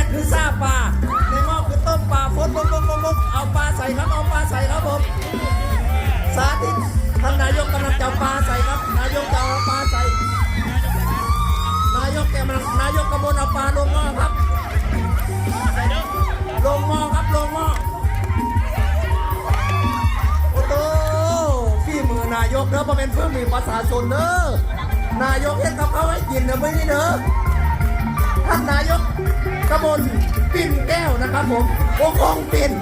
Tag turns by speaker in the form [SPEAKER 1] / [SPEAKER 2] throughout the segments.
[SPEAKER 1] คือซาปลาในหม้อคือต้มปลาฟดมุกเอาปลาใส่ครับเอาปลาใส่ครับผมสาธิตท่านนายกกำลังจะปลาใส่ครับนายกจะเอาปลาใส่นายกกำลังเอาปลาลงหม้อครับลงหม้อครับลงหม้อโอ้โหพี่มือนายกเด้อมาเป็นเพื่อนมีประชาชนเด้อนายกเห็นกับเขาให้กินเด้อไม่ได้เด้อท่านนายกกมลปิ่นแก้วนะครับผมโอ้คงปิ่น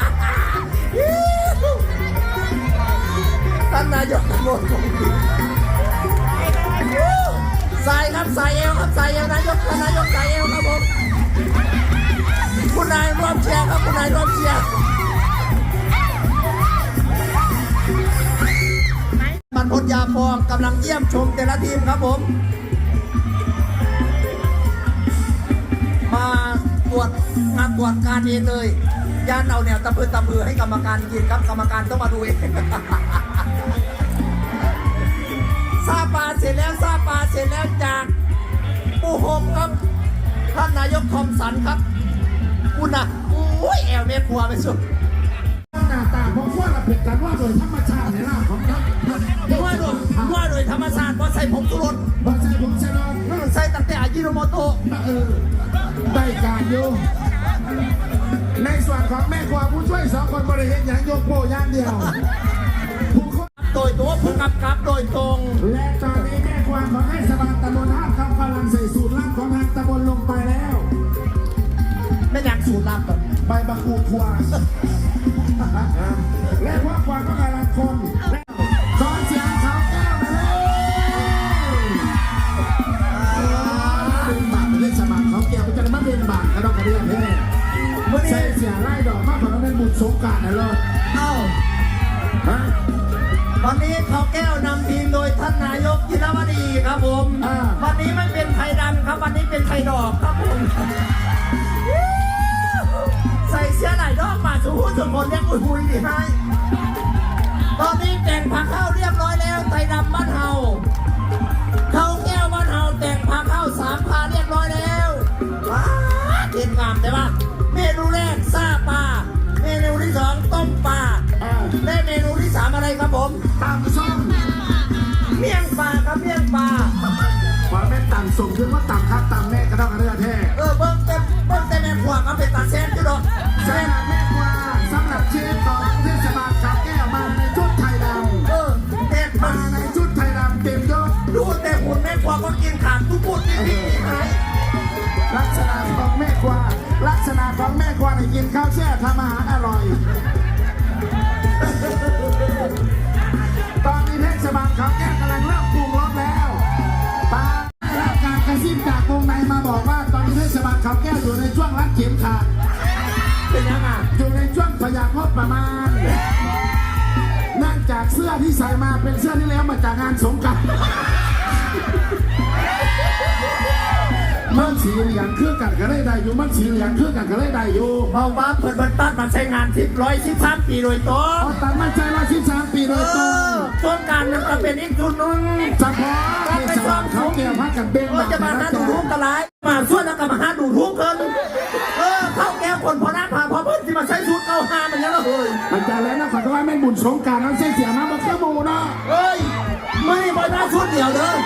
[SPEAKER 1] ท่านนายกกมลคงปิ่นใส่ครับใส่เอวครับใส่เอวนายกใส่เอวครับผมคุณนายร่วมเชียร์ครับคุณนายร่วมเชียร์มันพลยาฟองกำลังเยี่ยมชมแต่ละทีมครับผมมาตรวจการเองเลยย่านเอาเนี่ยตะพือให้กรรมการกินครับกรรมการต้องมาดูเองซาปาเสร็จแล้วจากปูโฮมครับท่านนายกคอมสันครับคุณนะโอ้ยแอลเมฆัวไปสุด
[SPEAKER 2] หน้าตาของว่าเราผิดกันว่าโดยธรรมชาติในร่างของท่าน
[SPEAKER 1] ว่าโดยธรรมชาติว่าใส่ผงชูรส
[SPEAKER 2] ว่าใส่ผงชูรส
[SPEAKER 1] ใส่ตั้งแต่อายิโนโมโตะ
[SPEAKER 2] ได้การอยู่ในส่วนของแม่ครัวผู้ช่วย2 คนบริเวณอย่างยกโป้ย่างเดียว
[SPEAKER 1] โดยตัวผู้กำกับโดยตรง
[SPEAKER 2] และตอนนี้แม่ครัวของเทศบาลตำบลท่าคำกำลังใส่สูตรลับของทางตำบลลงไปแล้ว
[SPEAKER 1] ไม่อยากสูตรลับแบบ
[SPEAKER 2] ใบมะกรูดครัวและพวกครัวก็กำลังคนขอเสียงเขาแก้วมาเลยเป็นบาทเทศบาลเขาแก้วจะได้มาเป็นบาทกระดอกกระเดียนแท้ใส่เสียไล่ดอกมากกว่าเราเป็นบุญสงการนะเลย
[SPEAKER 1] วันนี้เขาแก้วนำทีมโดยท่านนายกจิรวดีครับผมวันนี้ไม่เป็นไทยดำครับวันนี้เป็นไทยดอกครับผมใส่เสื้อไหล่ดอกมาสุขุมสุขคนเรียกคุยดีให้ตอนนี้แต่งผ้าเข้าเรียบร้อยแล้วไทยดำบ้านเฮาเขาแก้วบ้านเฮาแต่งผ้าเข้า3 พาเรียบร้อยแล้วว้าเด่นงามแต่ว่าเมนูแรกซาปลาเมนูที่2ต้มปลาได้เมนูที่3อะไรครับผม
[SPEAKER 2] ตำส้ม
[SPEAKER 1] เมี่ยงปลาครับเมี่ยงปลา
[SPEAKER 2] ขอเป็นตำส้มคือว่าตำครับตำแม่กระดอกกระเดือแท้
[SPEAKER 1] เบิ้งเต็มแม่ขวางเอาเป็นตาแซนที่ดอก
[SPEAKER 2] แซ่บแม่กว่าสำหรับเชฟของเทศบาลเขาแก้วมาในชุดไทยดำ
[SPEAKER 1] เด็ด
[SPEAKER 2] มาในชุดไทยดำเต็มยศ
[SPEAKER 1] ดูแต่หุ่นแม่ขวางก็กินขาดทุกคนนี่
[SPEAKER 2] ลักษณะของแม่กว่าในกินข้าวแช่ทำอาหารอร่อยตอนนี้เทศบาลเขาแก้วกำลังเริ่มปรุงรสแล้วปารับการกระซิบจากวงในมาบอกว่าตอนนี้เทศบาลเขาแก้วอยู่ในช่วงรัดเข็มขัด
[SPEAKER 1] เป็นยังไง
[SPEAKER 2] อยู่ในช่วงประหยัดงบประมาณเนื่องจากเสื้อที่ใส่มาเป็นเสื้อที่แล้วมาจากงานสงกรานต์มันสีเหลืองเครื่องกันก็ได้ได้อยู่มันสีเหลืองเครื่องกันก็ได้ได้อยู่
[SPEAKER 1] เพราะว่าเปิดบันตัดมันใช้งาน113 ปีโดยตรง
[SPEAKER 2] ตัดมันใช้113 ปีโดยตรง
[SPEAKER 1] ต้นการมันก็เป็นอีกจุดนึง
[SPEAKER 2] เฉพาะในสวนเขาเกี่ยวพักกันเบง
[SPEAKER 1] ก็จะมาหาดูทุกตลาดมาส่วนแล้วก็มาหาดูทุกคนเข้าแก้วคนพอหน้าพาพอเพื่อนที่มาใช้ชุดเข้าหามันยังละเฮ้ย
[SPEAKER 2] มันจะแล้วนะขอโทษแม่บุญสงการน้องเสียมาบอกแค่บูนะ
[SPEAKER 1] เฮ้ยไม่บอลหน้าชุดเดียวเลย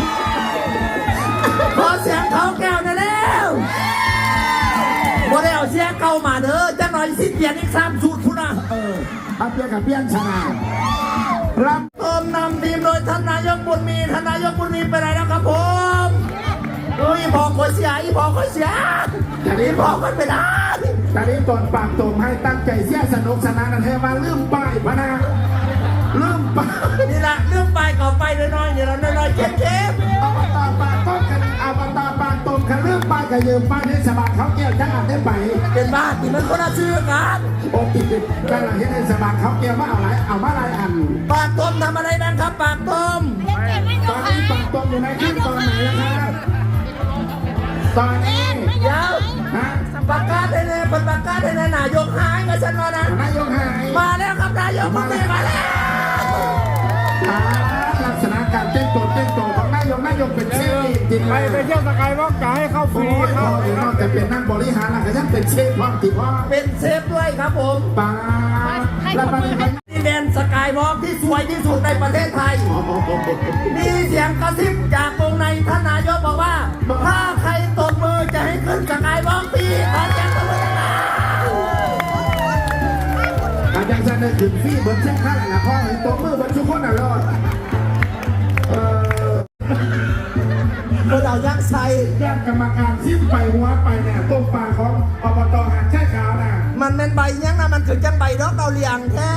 [SPEAKER 1] พอเสียงเขาแก้วนั่นแล้วพอได้เอาเสียงเก่ามาเด้อจะหน่อยสิเปลี่ยนอีก3 ชุดคุณนะ
[SPEAKER 2] เปลี่ยนกับเปลี่ยนชนะ
[SPEAKER 1] รับต้มนำทีมโดยท่านนายกบุญมีไปไหนแล้วครับผมพอคอยเสียพอคอยเสียแต่นี้พอคอยไปได้
[SPEAKER 2] แต่นี้ตอนปากตมให้ตั้งใจเสียสนุกสนานกันเทว่าลืมไปพนะลืมไป
[SPEAKER 1] นี่แหละลืมไปก่อไปน้อยๆเนี่ยเราน้อยๆเข้ม
[SPEAKER 2] เอาตาปากต้มกันเอาตาปากตมกันลืมไปกับยืมไปเทศบาลเขาแก้วจังอันได้ไป
[SPEAKER 1] เป็นบ้าที่มันคนละชื่อกัน
[SPEAKER 2] โอ้ติดกันหลังเทศบาลเขาแก้วว่าเอาอะไรอัน
[SPEAKER 1] ปากต้มทำอะไรบ้างครับปากต้ม
[SPEAKER 2] ตอนนี้ปากต้มอยู่ในขั้นตอนไหนนะครับตอนนี้
[SPEAKER 1] เดี๋ยวประกาศได้เลยประกาศได้เลยนายกหายมาฉันมานะ
[SPEAKER 2] นายกหาย
[SPEAKER 1] มาแล้วครับนายกมาแล้ว
[SPEAKER 2] ลักษณะการเต้นตัวของนายกายกเป็นเชฟจริง
[SPEAKER 3] ไปเที่ยวสกายวอล์กจะให้เข้าฟ
[SPEAKER 2] โอ้
[SPEAKER 3] รี
[SPEAKER 2] ย
[SPEAKER 3] เข้า
[SPEAKER 2] นอกจากเป็นนักบริหารแล้วก็ยังเป็นเชฟพร้อมติดว่า
[SPEAKER 1] เป็นเชฟด้วยครับผม
[SPEAKER 2] ปาแล้วมันเป็น
[SPEAKER 1] ที่แดนสกายวอล์กที่สวยที่สุดในประเทศไทย มีเสียงกระซิบจากวงในท่านนายกบอกว่า ถ้าใครตบมือจะให้ขึ้นสกายวอล์กฟรีขอเสียงตบมือหน่อย
[SPEAKER 2] อาจารย์จะได้ถึงฟี่เบิร์ดเช็คค่าแหละพ่อเห็นตัวมือเบิร์ดทุกคนอ่ะรอด
[SPEAKER 1] คนเอายักษ์ใส่
[SPEAKER 2] แยกกรรมการซิมไปหัวไปเนี่ยต้มปลาของอบตหาดแช่ขาวน่ะ
[SPEAKER 1] มันเป็นใบยังนะมันคือจังใบดอกเราเลียงแท้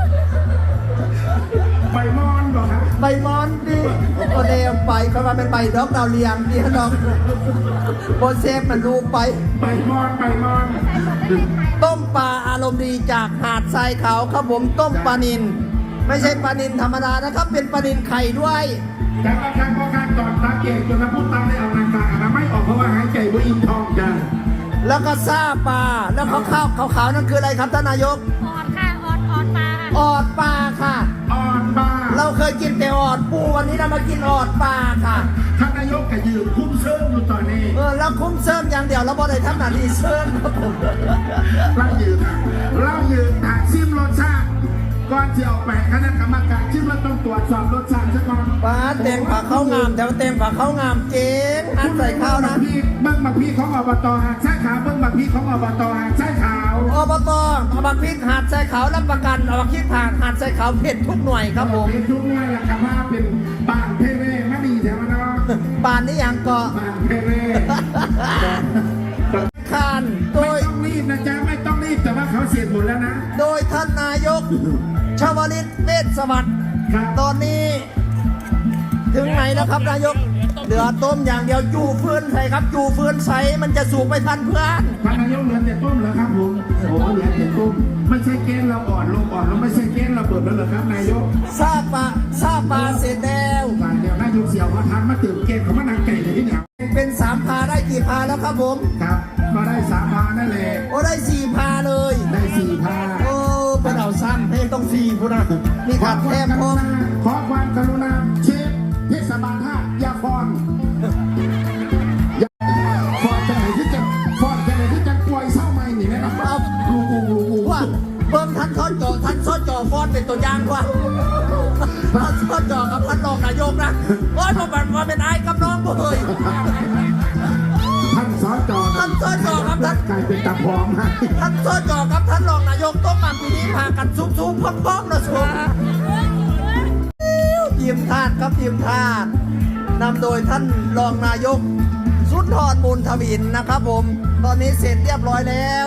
[SPEAKER 2] ใบมอนบอกครับ
[SPEAKER 1] ใบมอนดิโอเดมไปเขาว่าเป็นใบดอกเราเลียงดิน้องโบเซฟมันลูกไป
[SPEAKER 2] ใบมอนใบมอน
[SPEAKER 1] ต้มปลาอารมณ์ดีจากหาดทรายขาวครับผมต้มปลานินไม่ใช่ปลานินธรรมดานะครับ เป็นปลานินไข่ด้วย
[SPEAKER 2] แต่บางครั้งก็การตอดตาเก่งจนน้ำพุตาได้เอานางตาอนามัยออกเพราะว่าหายใจว่าอิ่มท้องจ้ะ
[SPEAKER 1] แล้วก็ซ่าปลาแล้วขาวๆนั่นคืออะไรครับท่านนายก
[SPEAKER 4] ออดค่ะออดปลา
[SPEAKER 1] ออดปลาค่ะ
[SPEAKER 2] อ่อนบ้า
[SPEAKER 1] เราเคยกินแต่ออดปูวันนี้เรามากินออดปลาค่ะ
[SPEAKER 2] ท่านนายกก็ยืนคุ้มเชิงอยู่ตอนนี้
[SPEAKER 1] แล้วคุ้มเสริมอย่างเดียวแล้วบอได้ทำหน้าที่เสริมครับผม
[SPEAKER 2] เล่ายืนถากซิมรสชาติก่อนที่ออกไปคณะกรรมการชิมแล้วต้องตรวจสอบรสชาติซะก่อน
[SPEAKER 1] ปลาเต็มผักข้าวงามแต่ว่าเต็มผักข้าวงามเจ๊งอันใส่ข้าวนะ
[SPEAKER 2] พี่เบิ้งบักพี่ของอบตหาดใช่ขาวเบิ้งบักพี่ของอบตหาดใช่ขาว
[SPEAKER 1] อบตเอาบักพริกหาดใส่ขาวรับประกันเอาบักพริกผ่านหาดใส่ขาวเผ็ดทุกหน่วยครับผม
[SPEAKER 2] เป็นทุกเนี่ยแหละครับว่าเป็นบ้านเพเร่ไม่ดีแถวนั้นเนาะ
[SPEAKER 1] ป่านนี้อย่างเกาะ
[SPEAKER 2] บ้านเพเร่
[SPEAKER 1] คานโด
[SPEAKER 2] ไม่
[SPEAKER 1] ย
[SPEAKER 2] ต้องรีบนะจ๊ะไม่ต้องรีบแต่ว่าเขาเสร็จหมดแล้วนะ
[SPEAKER 1] โดยท่านนายกชวลิตเวชสวัสดิ์
[SPEAKER 2] ครับ
[SPEAKER 1] ตอนนี้ ถึงไหนแล้วครับนายกเหลือต้มอย่างเดียวจูฟืนใส่ครับจูฟืนใส่มันจะสูบไปทันเพื่อน
[SPEAKER 2] ท่านนายกเหลือแต่ต้มเหรอครับผมโอ้เหลือแต่ต้มไม่ใช่เกณฑ์เราอ่อนลงไม่ใช่เกณฑ์เราเบิดแล้วเหรอครับนายก
[SPEAKER 1] ซาปลาเสร็จแล้ว
[SPEAKER 2] ฝ่ายเดียวนายกเสี่ยวพอทันมาตื่นเกณฑ์เขามานางไก่เลยที่เนี่ย
[SPEAKER 1] เป็น3 พาได้กี่พาแล้วครับผม
[SPEAKER 2] ครับมาได้3 พานั่นแหละ
[SPEAKER 1] โอ้ได้4 พาเลย
[SPEAKER 2] ได้4 พา
[SPEAKER 1] โอ้เป็นเอาซ้ำให้ต้อง4พูนะมีขาดแทบพร้อม
[SPEAKER 2] ขอความกรุณาเชฟเทศบาล5อย่าฟอนฟอนจะไหนที่จะป่วยเศร้าไหมนี่นะครับ
[SPEAKER 1] เอาว่าเบิ่งท่านซ้อนจอฟอนเป็นตัวอย่างว่าท่านซ้อนจอกับท่านรองนายกนะโอ้ยผมว่าเป็นไอ้กับน้องเฮ้ย
[SPEAKER 2] ท่านสจ
[SPEAKER 1] ท่านสจครับท่าน
[SPEAKER 2] กลายเป็นตาพร้อมให้
[SPEAKER 1] ท่านซ้อนจอกับท่านรองนายกต้องมาปีนี้พากันซุบๆพร้อมๆนะชัวทีมทาสครับทีมทาสนำโดยท่านรองนายกสุนทรบุญทวินนะครับผมตอนนี้เสร็จเรียบร้อยแล้ว